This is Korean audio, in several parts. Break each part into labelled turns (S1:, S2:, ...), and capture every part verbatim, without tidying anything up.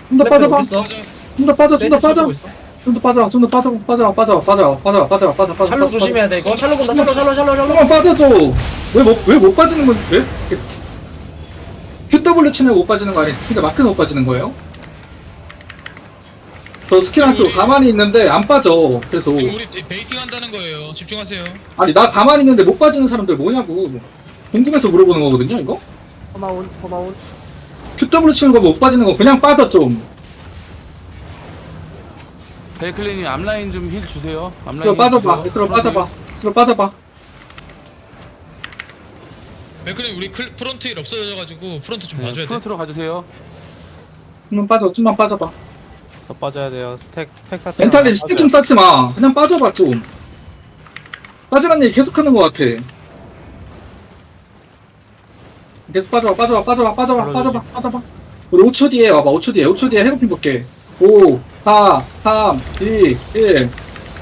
S1: 좀 더 빠져봐.
S2: 어딨어?
S3: 맞아.
S1: 좀 더 빠져, 좀 더
S2: 레드
S1: 빠져.
S2: 쳐주고 있어.
S1: 좀 더 빠져, 좀 더 빠져, 빠져, 빠져, 빠져, 빠져, 빠져, 빠져, 빠져.
S2: 샬로 조심해야 돼 이거. 샬로 본다. 샬로 샬로 샬로 샬로.
S1: 조금만 빠져줘. 왜 못, 왜 못 빠지는 건, 왜? 큐더블유 치면 못 빠지는 거 아니야? 그러니까 마크는 못 빠지는 거예요? 저 스킬 한 수 가만히 있는데 안 빠져. 그래서.
S3: 지금 우리 베- 베이팅 한다는 거예요. 집중하세요.
S1: 아니, 나 가만히 있는데 못 빠지는 사람들 뭐냐고. 궁금해서 물어보는 거거든요, 이거?
S4: 고마운 고마운
S1: 큐더블유 치는 거 못 빠지는 거 그냥 빠져, 좀.
S5: 베이클린이 앞라인 좀 힐 주세요. 앞라인
S1: 스스로
S5: 힐
S1: 빠져봐,
S5: 주세요.
S1: 스스로 빠져봐. 스스로 빠져봐.
S3: 맥크님 우리 클, 프론트 일 없어져가지고 프론트 좀
S5: 네,
S3: 봐줘야 돼.
S5: 프론트로 가주세요.
S1: 좀만 빠져, 좀만 빠져봐.
S6: 더 빠져야 돼요. 스택 스택 사태.
S1: 멘탈리 스틱 좀 쌓지 마. 그냥 빠져봐, 좀. 빠지란 얘기 계속 하는 것 같아. 계속 빠져봐, 빠져봐, 빠져봐, 빠져봐, 빠져봐, 빠져봐. 우리 오 초 뒤에 와봐, 오 초 뒤에, 오 초 뒤에 해고핀 볼게. 오, 사, 삼, 이, 일.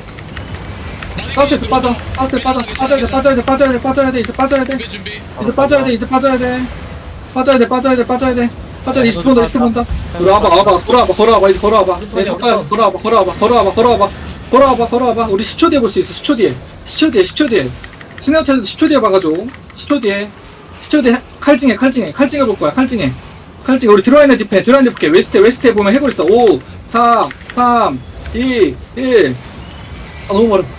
S1: 사우스에서 빠져, 사우스에 빠져, 빠져야 돼, 빠져야 돼, 빠져야 돼, 빠져야 돼, 이제 빠져야 돼.
S3: 준비 준비.
S1: 이제 빠져야 돼, 이제 빠져야 돼. 빠져야 돼, 빠져야 돼, 빠져야 돼. 빠져야 돼, 이십 분 더, 이십 분 더. 우리 와봐, 와봐, 걸어와봐, 걸어와봐, 이제 걸어와봐. 내 가까이서 걸어와봐, 걸어와봐, 걸어와봐, 걸어와봐. 걸어와봐, 걸어와봐. 우리 십 초 뒤에 볼 수 있어, 십 초 뒤에. 십 초 뒤에, 십 초 뒤에. 스네어차도 십 초 뒤에 봐가줘. 십 초 뒤에. 십 초 뒤에 칼징해, 칼징해, 칼징해 볼 거야, 칼징해. 칼징해. 우리 들어와 있는 디펜, 들어와 있는 디펜. 웨스트에, 웨스트에 보면 해골 있어. 오, 사, 삼, 이, 일. 아, 너무 멀어.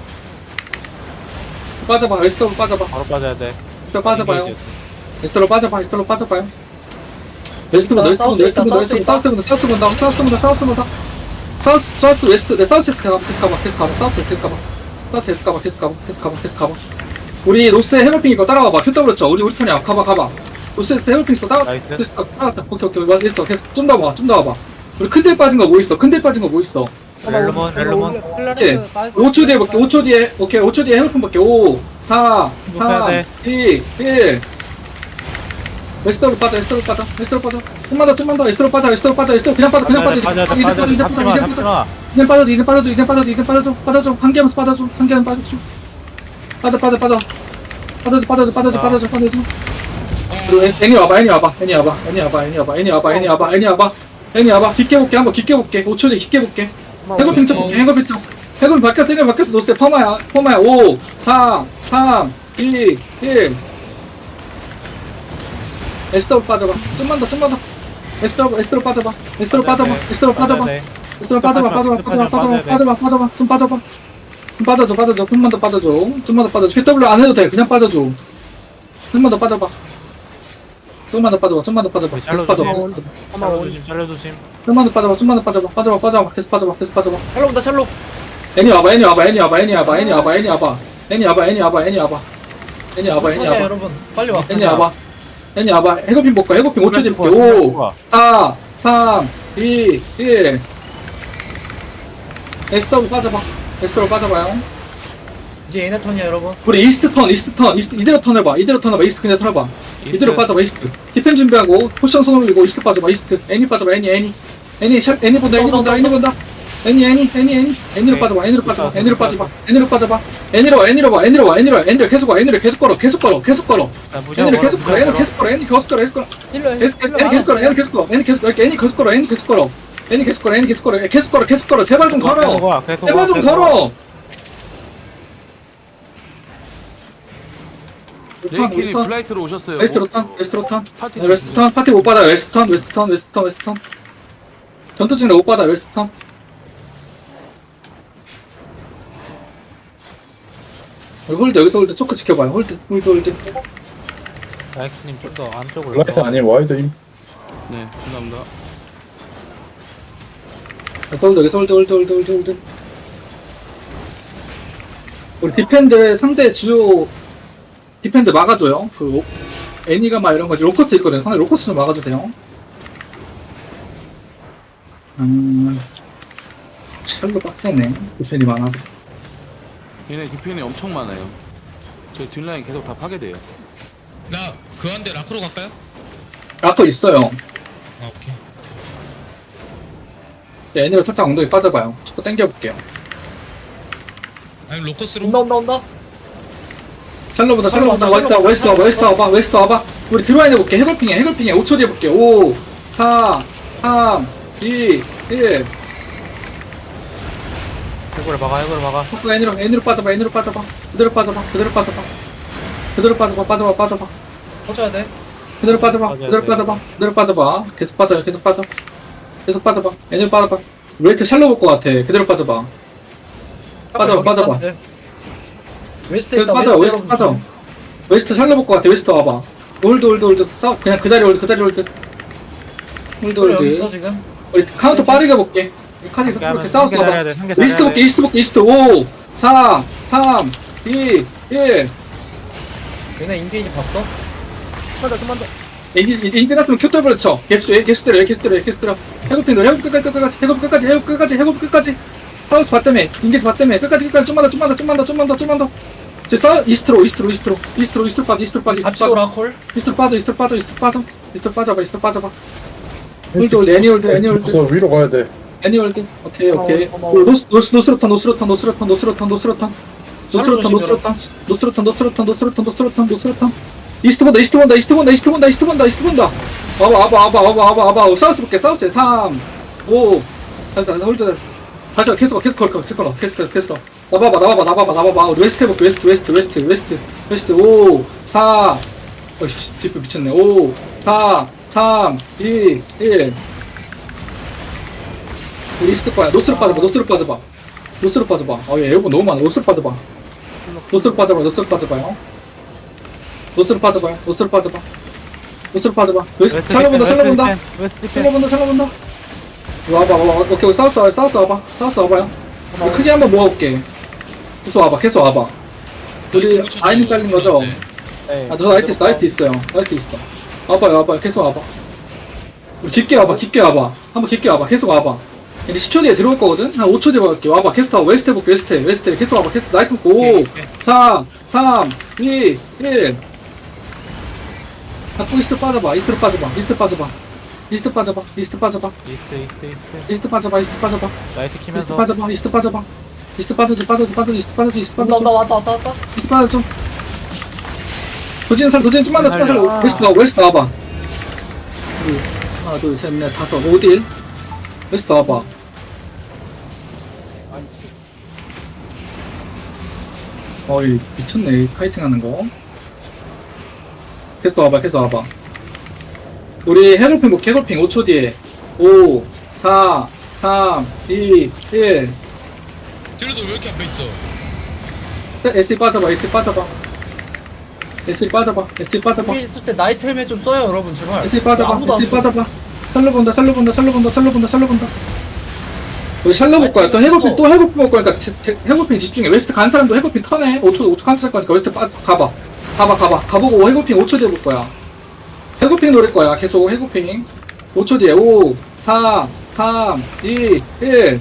S1: 빠져봐, 웨스트로 빠져봐.
S6: 바로 빠져야 돼.
S1: 웨스트로 빠져봐요. 웨스트로 빠져봐, 웨스트로 빠져봐요. 웨스트보다, 웨스트보다, 웨스트보다, 웨스트보다, 사우스보다, 사우스보다, 사우스보다, 사우스보다. 사우스, 사우스, 웨스트, 네, 사우스 에스 가봐, 계속 가봐, 계속 가봐, 사우스 에스 가봐. 사우스 에스 가봐, 계속 가봐, 계속 가봐, 계속 가봐. 우리 노스에 해골핑 이거 따라와봐. 큐더블유 쳐. 우리, 우리 턴이야. 가봐, 가봐. 노스에서 해골핑 있어. 따라,
S6: 나이스.
S1: 계속 가, 따라왔다. 오케이, 오케이. 와, 있어. 계속 좀 더 와봐, 좀 더 와봐. 우리 큰데 빠진 거 뭐 있어? 큰데 빠진 거 뭐 있어?
S6: 렐로몬 렐로몬.
S1: 오케이. 오 초 뒤에 볼게, 오 초 뒤에. 오케이, 오 초 뒤에 해골핑 볼게. 오, 사,
S6: 해야
S1: 삼,
S6: 돼.
S1: 이, 일. 웨스트로 빠져, 웨스트로 빠져, 웨스트로 빠져. 좀만 더, 좀만 더, 웨스트로 빠져, 웨스트로 빠져, 웨스트로 그냥 빠져, 그냥 빠져.
S6: 빠져야 돼.
S1: 이제
S6: 빠져야
S1: 빠져,
S6: 돼.
S1: 이제
S6: 잡지
S1: 빠져,
S6: 마.
S1: 이제
S6: 잡지
S1: 빠져.
S6: 마.
S1: 이제 빠져, 이제 빠져줘, 이제 빠져줘, 이제 빠져줘, 빠져줘, 빠져줘. 한 개하면서 빠져줘, 한 개하면 빠져줘. 빠져, 빠져, 빠져. 빠져줘, 빠져줘, 빠져줘, 빠져줘, 빠져줘. 그리고 애- 애니 와봐, 애니 와봐, 애니 와봐, 애니 와봐, 애니 와봐, 애니 와봐, 애니 와봐, 애니 와봐, 애니 와봐. 깊게 볼게, 한번 깊게 볼게. 오 초 뒤에 깊게 볼게. 해골 핑쳐 볼게, 해골 핑쳐. 해골 바뀌었어, 해골 바뀌었어. 노스에 퍼마야, 퍼마야. 오, 사, 삼, 이, 일. 에스더로 빠져봐. 좀만 더, 좀만 더. 에스더로, 에스더로 빠져봐. 에스더로 빠져봐. 에스더로 빠져봐.
S6: 빠져야 돼.
S1: 에스더로 빠져봐, 빠져봐, 빠져봐, 빠져봐, 빠져봐, 빠져봐. 좀 빠져봐. 좀 빠져줘, 빠져줘. 좀만 더 빠져줘. 좀만 더 빠져줘. 큐더블유 안 해도 돼. 그냥 빠져줘. 좀만 더 빠져봐. 좀만 더 빠져봐. 좀만 더 빠져봐. 계속
S6: 샬로
S1: 빠져봐.
S6: 조심.
S1: 계속 빠져봐.
S6: 샬로 조심. 샬로 조심.
S1: 좀만 더 빠져봐. 좀만 더 빠져봐. 빠져봐, 빠져봐. 계속 빠져봐. 계속 빠져봐.
S2: 샬로 본다. 샬로.
S1: 애니 와봐, 애니 와봐, 애니 와봐, 애니 와봐, 애니 와봐, 애니 와봐. 애니 와봐, 애니 와봐, 애니 와봐. 애니 와봐, 애니
S2: 턴이야,
S1: 와봐.
S2: 여러분. 빨리 와.
S1: 애니 와봐. 애니 와봐. 해고핀 볼까? 해고핀 오 초 뒤에 볼게. 오, 사, 삼, 이, 일. 에스더로 빠져봐. 에스더로 빠져봐요.
S2: 이제 얘네 턴이야 여러분.
S1: 우리 이스트 턴, 이스트 턴, 이스트 이대로 턴해봐. 이대로 턴해봐. 이스트 그냥 턴해봐. 이대로 빠져봐. 이스트. 디펜 준비하고 포션 손 올리고 이스트 빠져봐. 이스트. 애니 빠져봐. 애니, 애니. 애니, 샵, 애니 본다. 애니 본다. 애니 본다. 애니, 애니, 애니, 애니. 애니로 빠져봐. 애니로 빠져봐. 애니로 빠져봐. 애니로 빠져봐. 애니로 와. 애니로 와. 애니로 와. 애니로 와. 애니로 계속 와. 애니로 계속 걸어. 계속 걸어. 계속 걸어. 애니로 계속 걸어. 애니로 계속 걸어. 애니 계속 걸어. 계속 걸어.
S4: 힐러
S1: 계속 걸어. 애니 계속 걸어. 애니 계속 걸어. 애니 계속 걸어. 애니 계속 걸어. 애니 계속 걸어. 애니 계속 걸어. 애니 계속 걸어. 계속 걸어. 계속 걸어. 제발 좀 걸어.
S6: 계속
S1: 제발 좀 걸어.
S5: 레이클린 플라이트로 오셨어요.
S1: 웨스트로 턴, 웨스트로 턴.
S5: 파티
S1: 네, 웨스트 턴, 파티 못 받아. 웨스트 턴, 웨스트 턴, 웨스트 턴, 웨스트 턴. 전투 중에 못 받아. 웨스트 턴. 여기 홀드, 여기서 홀드. 초크 지켜봐요. 홀드, 홀드, 홀드.
S6: 나이크님 좀 더 안쪽으로.
S7: 라이트 아니면 와이드임.
S5: 네, 감사합니다.
S1: 여기서 홀드, 여기서 홀드, 홀드, 홀드, 홀드, 홀드. 우리 디펜드 상대 주요 디펜드 막아줘요. 그 로- 애니가 막 이런 거지. 로커스 있거든요. 상대 로커스 좀 막아주세요. 음, 샬로 빡세네. 디펜이 많아서.
S5: 얘네 디펜이 엄청 많아요. 저희 뒷라인 계속 다 파괴돼요.
S3: 나 그 한대 라크로 갈까요?
S1: 라커 있어요.
S3: 아 오케이.
S1: 애니로 살짝 엉덩이 빠져봐요. 자꾸 당겨볼게요.
S3: 아니면 로커스로.
S2: 온다 온다 온다.
S1: 샬로보다 샬로보다
S2: 샬로
S1: 웨스트
S2: 왔어,
S1: 웨스트
S2: 샬로
S1: 와봐 웨스트 와봐 웨스트 와봐. 우리 들어와 있는 볼게. 해골핑해 해골핑해. 오 초 뒤에 볼게. 오, 사, 삼, 이, 일.
S6: 해골을 막아 해골을 막아.
S1: 포크 N으로, N으로 빠져봐, N으로 빠져봐. 그대로 빠져봐, 그대로 빠져봐. 그대로 빠져봐, 빠져봐, 빠져봐.
S2: 터져야 돼.
S1: 그대로 빠져봐,
S6: 빠져야
S1: 그대로
S6: 돼.
S1: 빠져봐, 그대로 빠져봐. 계속 빠져요, 계속 빠져. 계속 빠져봐, N으로 빠져봐. 웨스트 샬로 볼 것 같아. 그대로 빠져봐. 빠져봐, 빠져봐.
S2: 웨스트
S1: 그래도
S2: 있다.
S1: 빠져,
S2: 웨스트
S1: 웨스트 빠져. 웨스트 샬로 볼 것 같아. 웨스트 와봐. 홀드, 홀드, 홀드. 싸, 그냥 그 자리 홀드, 그 자리 홀드. 홀드,
S2: 여기 있어
S1: 홀드.
S2: 지금.
S1: 우리 카운터 빠르게 볼게. 이 카드
S6: 상계
S1: 이렇게
S6: 하면
S1: 싸워서
S6: 상계 잘해야
S1: 봐봐.
S6: 돼. 상계
S1: 이스트
S6: 잘해야
S1: 볼게,
S6: 돼.
S1: 이스트 볼게, 이스트. 오, 사, 삼, 이, 일.
S2: 얘네 인게이지 봤어?
S1: 이제 이제 끝났으면 큐 더블 쳐. 계속 줘, 계속 때려, 계속 때려, 계속 때려. 해고핀 너 해고 끝까지, 끝까지, 해고 끝까지, 해고 끝까지, 해고 끝까지. 사우스 봤다며, 인게이지 봤다며, 끝까지, 끝까지, 좀만 더, 좀만 더, 좀만 더, 좀만 더, 좀만 더. 이제 사 이스트로, 이스트로, 이스트로, 이스트로, 이스트로 빠져, 이스트로 빠져,
S2: 같이
S1: 이스트로 빠져,
S2: 오라콜.
S1: 이스트로 빠져, 이스트로 빠져, 이스트로 빠져, 이스트로 빠져봐, 이스트로 빠져봐. 홀드, 홀드, 애니홀드, 애니홀드.
S4: 그래서 위로 가야 돼.
S1: 애니월드. 오케이, 오케이.
S2: 고마워, 고마워.
S1: 노스, 노스, 노스로탄, 노스로탄, 노스로탄, 노스로탄, 노스로탄. 노스로탄,
S2: 조심해라.
S1: 노스로탄, 노스로탄, 노스로탄, 노스로탄, 노스로탄, 노스로탄. 이스트 본다, 이스트 본다, 이스트 본다, 이스트 본다, 이스트 본다, 이스트 본다. 와봐, 와봐, 와봐, 와봐, 와봐, 와봐. 사우스 볼게, 사우스에 삼, 오. 자, 자, 홀드. 다시 가, 계속 가, 계속 가, 계속 가, 계속 가, 계속 가. 나봐봐, 나봐봐, 나봐봐, 나봐봐. 우리 웨스트 해볼게, 웨스트, 웨스트, 웨스트, 웨스트, 웨스트. 오, 사. 어이씨, 뒷부 미쳤네. 오, 사, 삼, 이, 일. 우리 이스트 거야. 노스로 빠져봐. 노스로 빠져봐. 노스로 빠져봐. 어, 얘 에어본 너무 많아. 노스로 빠져봐. 노스로 빠져봐. 노스로 빠져봐요. 노스로 빠져봐요. 노스로 빠져봐. 노스로 빠져봐. 웨스트
S6: 웨스트
S1: 살려본다.
S6: 디펜,
S1: 살려본다.
S6: 웨스트 디펜, 웨스트 디펜.
S1: 살려본다. 살려본다. 와봐. 와봐. 오케이. 오케이. 사우스 와봐. 사우스 와봐. 사우스 와봐요. 우리 크게 한번 모아볼게. 계속 와봐. 계속 와봐. 우리 아이님 깔린 거죠?
S6: 네.
S1: 아, 너 나이트 있어. 나이트 있어요. 나이트 있어. 와봐요. 와봐요. 계속 와봐. 우리 깊게 와봐. 깊게 와봐. 한번 깊게 와봐. 계속 와봐. 이제 십 초 뒤에 들어올 거거든? 한 오 초 뒤에 갈게. 와봐. 계속 와봐. 웨스트 해볼게. 웨스트 해. 웨스트 해. 계속 와봐. 계속 나이트 먹고. 오, 사, 삼, 이, 일. 자꾸 이스트 빠져봐. 이스트로 빠져봐. 이스트 빠져봐. 이스트 빠져봐. 이스트 빠져봐.
S6: 이스트 이스트 이스트.
S1: 이스트 빠져봐. 이스트 빠져봐.
S6: 라이트
S1: 이스트
S6: 키면서.
S1: 빠져봐. 이스트 빠져봐. 이스트 빠져줘. 빠져줘. 빠져줘. 이스트 빠져줘. 이스트
S2: 온다 온다
S1: 빠져줘.
S2: 왔다 왔다 왔다.
S1: 이스트 빠져줘. 도진 살, 도진 좀만 더, 좀만 더.
S6: 살려.
S1: 웨스트 와봐. 웨스트 와봐. 우리 하나, 둘, 셋, 넷, 다섯, 오딜. 웨스트 와봐. 어이, 미쳤네. 카이팅 하는 거. 계속 와봐, 계속 와봐. 우리 해골핑 볼게, 해골핑 오 초 뒤에. 오, 사, 삼, 이, 일.
S3: 딜러도 왜 이렇게 앞에 있어?
S1: 에스이 빠져봐, 에스이 빠져봐. 에스이 빠져봐, 에스이 빠져봐.
S2: 여기 있을 때 나이트 헬멧 좀 써요 여러분 제발.
S1: 에스이 빠져봐,
S2: 아무도 안
S1: 에스이
S2: 써.
S1: 빠져봐. 샬로 본다, 샬로 본다, 샬로 본다, 샬로 본다, 샬로 본다. 우리 샬로 볼 거야. 또 해골핑, 또 해골핑 볼 거니까 제- 제- 해골핑 집중해. 웨스트 간 사람도 해골핑 턴해. 오 초, 오 초 칸슬 거니까 웨스트 빠, 가봐. 가봐, 가봐. 가보고 해골핑 오 초 뒤에 볼 거야. 해골핑 노릴 거야. 계속 해골핑. 오 초 뒤에. 오, 사, 삼, 이, 일.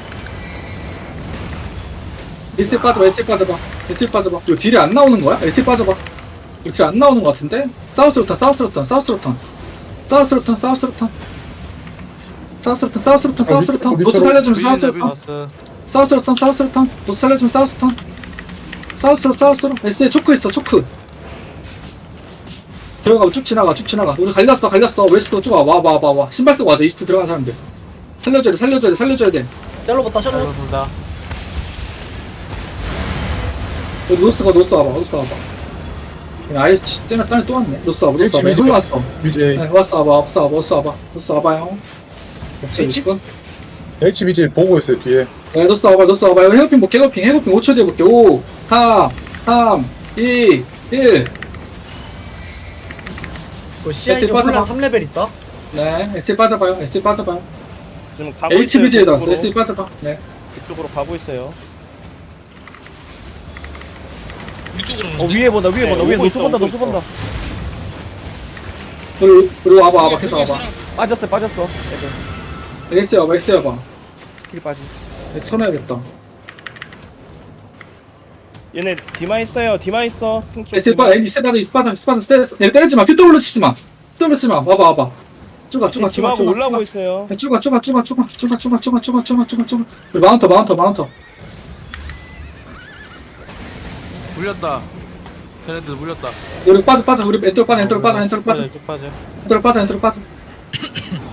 S1: 에스이 빠져봐, 에스이 빠져봐. 에스이 빠져봐. 이거 딜이 안 나오는 거야? 에스이 빠져봐. 이거 딜 안 나오는 거 같은데? 사우스로 턴, 사우스로 턴, 사우스로 턴. 사우스로 턴, 사우스로 턴. 사우스로 턴, 사우스로 턴, 사우스로 턴. 노트 살려주면 사우스로 턴.
S6: 플러스.
S1: 사우스로 턴, 사우스로 턴. 노트 살려주면 사우스 턴. 사우스로, 사우스로. 에스에 초크 있어, 초크. 들어가고 쭉 지나가, 쭉 지나가. 우리 갈렸어, 갈렸어. 웨스트로 쭉 와, 와, 와, 와, 와. 신발 쓰고 와줘, 이스트 들어간 사람들. 살려줘야 돼, 살려줘야 돼, 살려줘야 돼.
S2: 샬로 봤다 샬로.
S6: 잘로 쏜다.
S1: 여기 노스 가, 노스 와봐, 노스 와봐. 그냥 아예 때문에 딴에 또 왔네. 노스 와봐, 노스 와봐. 솔로 왔어.
S4: 비제이.
S1: 네, 왔어, 와봐, 왔어, 와봐, 왔어, 와봐. 노스 와봐요. 없어,
S2: H?
S1: 이거.
S4: 에이치비제이 보고 있어요, 뒤에.
S1: 네, 노스 와봐, 노스 와봐. 이거 해고핑 볼게, 해고핑, 해고핑 오 초 뒤에 볼게. 오, 사, 삼, 이, 일.
S2: 그 씨아이지
S1: 에스이 빠져봐.
S2: 혼란 삼 레벨 있다.
S1: 네, 에스이 빠져봐요, 에스이 빠져봐요.
S7: 지금 가고
S1: 에이치비제이
S7: 있어요.
S1: 나왔어, 에스이 빠져봐. 네.
S7: 그쪽으로 가고 있어요.
S3: 위쪽으로
S7: 어
S3: 오는데?
S7: 위에 본다 위에 네, 본다 위에 오고 노스 있어, 본다 오고 노스 있어. 본다.
S1: 우리, 우리 와봐, 와봐,
S3: 여기,
S1: 계속
S3: 여기
S1: 와봐.
S3: 사람.
S7: 빠졌어 빠졌어. 애들
S1: 에스이 와봐, 에스이 와봐.
S7: 스킬 빠지.
S1: 네, 쳐놔야겠다.
S7: 얘네 디마 있어요. 디마 있어. 핑쪽.
S1: 에스이 빠져, 에스이 빠져, 에스이 빠져, 에스이 빠져. 때렸어. 네, 때리지 마, 큐더블로 치지 마. 큐더블로 치지 마. 와봐, 와봐. 쭉가, 쭉가, 쭉가,
S7: 디마하고
S1: 쭉가.
S7: 올라오고 있어요.
S1: 네, 쭉가, 쭉가, 쭉가, 쭉가, 쭉가, 쭉가, 쭉가, 쭉가, 쭉가, 쭉가, 쭉가. 우리 마운터, 마운터, 마운터.
S5: 물렸다. 걔네들 물렸다.
S1: 우리 빠져, 빠져. 우리 엔터로 빠져, 엔터로 빠져, 엔터로 빠져.
S6: 쭉 빠져.
S1: 엔터로 빠져, 엔터로 빠져.